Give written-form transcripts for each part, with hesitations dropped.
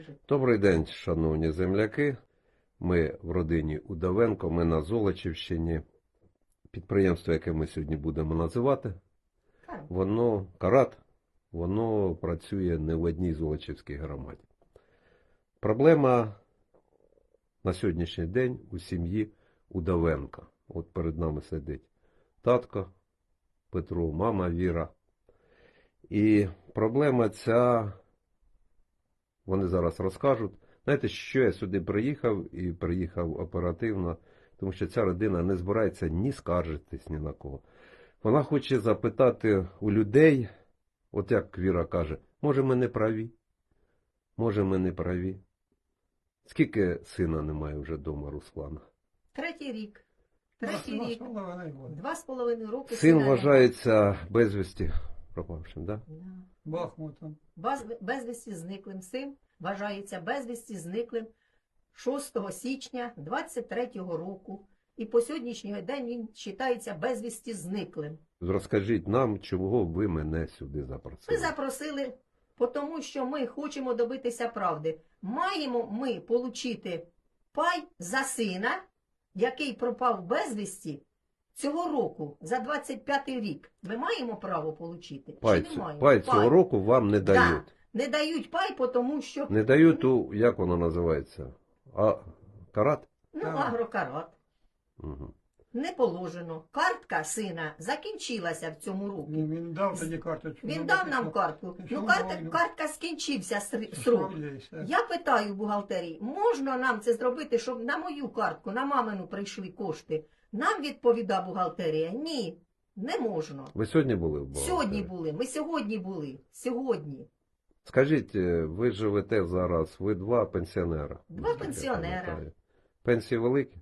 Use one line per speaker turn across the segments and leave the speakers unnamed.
Добрий день, шановні земляки. Ми в родині Удовенко, ми на Золочівщині. Підприємство, яке ми сьогодні будемо називати, воно працює не в одній Золочівській громаді. Проблема на сьогоднішній день у сім'ї Удовенка. От перед нами сидить татко Петро, мама Віра. І проблема ця, вони зараз розкажуть. Знаєте, що я сюди приїхав, і приїхав оперативно, тому що ця родина не збирається ні скаржитись ні на кого. Вона хоче запитати у людей, от як Віра каже, може ми не праві? Може ми не праві? Скільки сина немає вже вдома, Руслана?
Третій рік. 2,5 роки.
Син вважається безвісті пропавшим, так? Да?
Бахмутом.
Безвісті зниклим. Син вважається безвісті зниклим 6 січня 23-го року. І по сьогоднішній день він вважається безвісті зниклим.
Розкажіть нам, чого ви мене сюди запросили?
Ми запросили, тому що ми хочемо добитися правди. Маємо ми отримати пай за сина, який пропав безвісті цього року, за 25-й рік. Ми маємо право отримати? Чи не маємо?
Пай цього року вам не дають?
Да. Не дають пай, тому що...
Не дають, як воно називається? Карат?
Ну, агрокарат.
Угу.
Не положено. Картка сина закінчилася в цьому році.
Він дав тоді карточку.
Він дав нам картку. Ну, картка скінчився срок. Я питаю в бухгалтерії, можна нам це зробити, щоб на мою картку, на мамину прийшли кошти? Нам відповідає бухгалтерія, ні, не можна.
Ви сьогодні були в бухгалтерії?
Сьогодні були, ми сьогодні були, сьогодні.
Скажіть, ви живете зараз, ви два пенсіонера?
Два пенсіонера.
Пенсії великі?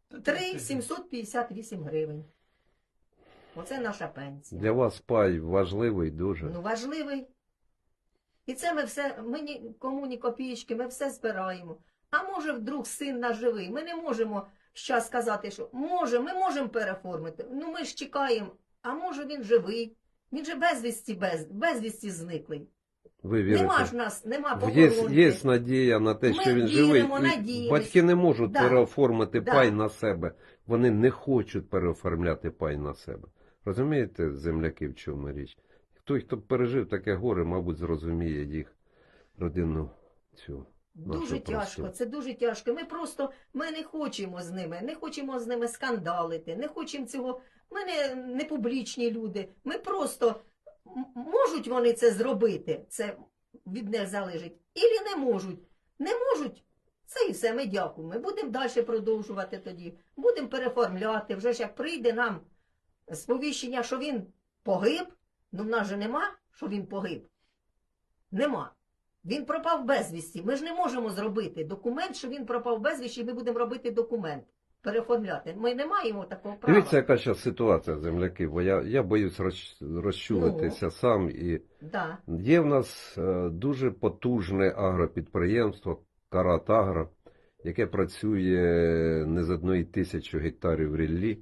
3,758 гривень. Оце наша пенсія.
Для вас пай важливий дуже?
Ну, важливий. І це ми нікому ні копійки, ми все збираємо. А може вдруг син наш живий? Ми не можемо зараз сказати, що ми можемо переформити. Ну ми ж чекаємо, а може він живий? Він же безвісті зниклий.
Ви вірите?
Нема ж нас, нема похоронки.
Є надія на те, що він живий. Батьки не можуть переоформити пай на себе. Вони не хочуть переоформляти пай на себе. Розумієте, земляки, в чому річ? Хто пережив таке горе, мабуть, зрозуміє їх родинну цю.
Дуже тяжко, це дуже тяжко. Ми не хочемо з ними скандалити, не хочемо цього. Ми не публічні люди. Ми просто, можуть вони це зробити, це від них залежить, ілі не можуть. Не можуть, це і все, ми дякуємо. Ми будемо далі продовжувати тоді, будемо переформляти. Вже ж як прийде нам сповіщення, що він погиб, ну в нас же нема, що він погиб. Нема. Він пропав безвісті. Ми ж не можемо зробити документ, що він пропав безвісті, ми будемо робити документ, переформляти. Ми не маємо такого права.
Дивіться, яка зараз ситуація, земляки, бо я боюсь розчулитися сам. І є в нас дуже потужне агропідприємство «Карат-Агро», яке працює не з 1000 гектарів ріллі.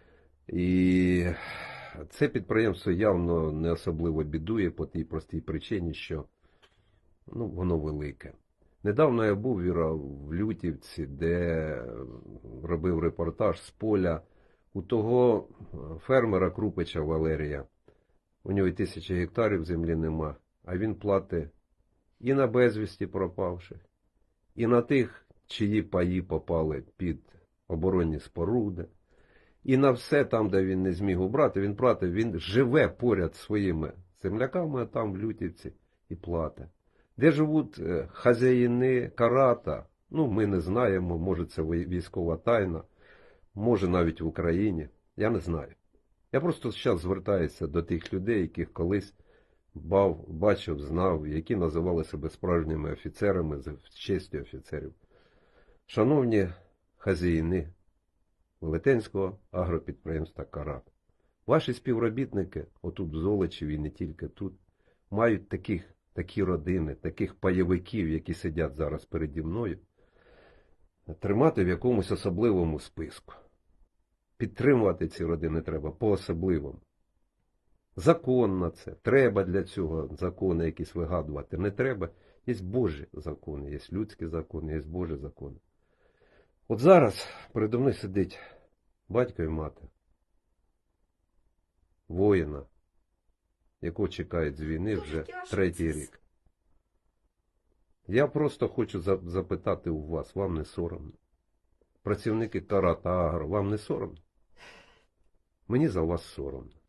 І це підприємство явно не особливо бідує по тій простій причині, що воно велике. Недавно я був, Віра, в Лютівці, де робив репортаж з поля у того фермера Крупича Валерія. У нього 1000 гектарів землі нема, а він платить і на безвісті пропавших, і на тих, чиї паї попали під оборонні споруди, і на все там, де він не зміг убрати, він платить, він живе поряд зі своїми земляками, а там в Лютівці, і платить. Де живуть хазяїни Карата, ми не знаємо, може це військова тайна, може навіть в Україні, я не знаю. Я просто зараз звертаюся до тих людей, яких колись бачив, знав, які називали себе справжніми офіцерами, з честю офіцерів. Шановні хазяїни Велетенського агропідприємства «Карат», ваші співробітники, отут в Золочеві і не тільки тут, мають такі родини, таких пайовиків, які сидять зараз переді мною, тримати в якомусь особливому списку. Підтримувати ці родини треба по-особливому. Закон на це. Треба для цього закони якісь вигадувати. Не треба. Є Божі закони, є людські закони, є Божі закони. От зараз передо мною сидить батько і мати, воїна, якого чекають з війни
Дуже
вже
тяжко
3-й
це
рік. Я просто хочу запитати у вас, вам не соромно? Працівники Каратагро, вам не соромно? Мені за вас соромно.